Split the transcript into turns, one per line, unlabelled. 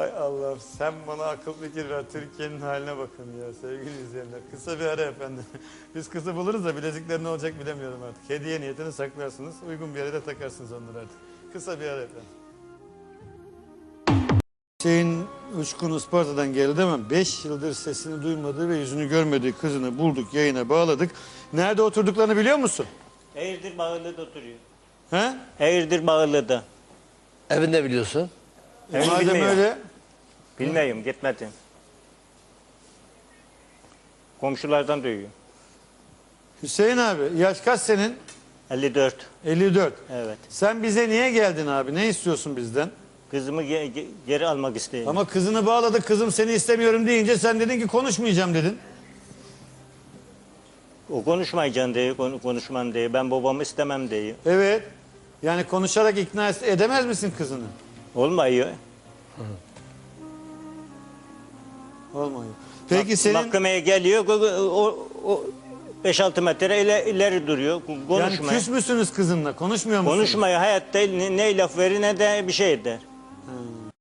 Ay Allah'ım sen bana akıl fikir ver. Türkiye'nin haline bakın ya sevgili izleyenler. Kısa bir ara efendim. Biz kızı buluruz da bilezikler ne olacak bilemiyorum artık. Hediye niyetini saklarsınız. Uygun bir yere de takarsınız onları artık. Kısa bir ara efendim. Şeyin Uçkun Isparta'dan geldi değil mi? 5 yıldır sesini duymadığı ve yüzünü görmediği kızını bulduk, yayına bağladık. Nerede oturduklarını biliyor musun?
Eğirdir Bağırlı'da oturuyor.
He?
Eğirdir Bağırlı'da.
Evinde biliyorsun.
Evini
Madem
bilmiyorum.
öyle,
Bilmiyorum, gitmedim. Komşulardan duyuyor.
Hüseyin abi yaş kaç senin?
54.
54.
Evet.
Sen bize niye geldin abi? Ne istiyorsun bizden?
Kızımı geri almak istedim.
Ama kızını bağladık, kızım seni istemiyorum deyince sen dedin ki konuşmayacağım dedin.
O konuşmayacaksın diye, konuşmam diye. Ben babamı istemem diye.
Evet. Yani konuşarak ikna edemez misin kızını?
Olmuyor.
Olmuyor. Peki senin
Mahkemeye geliyor, o 5-6 metre ileri duruyor.
yani
Konuşmuyor.
küs müsünüz kızınla? Konuşmuyor musunuz?
Konuşmuyor hayatta, ne laf verir ne de bir şey eder.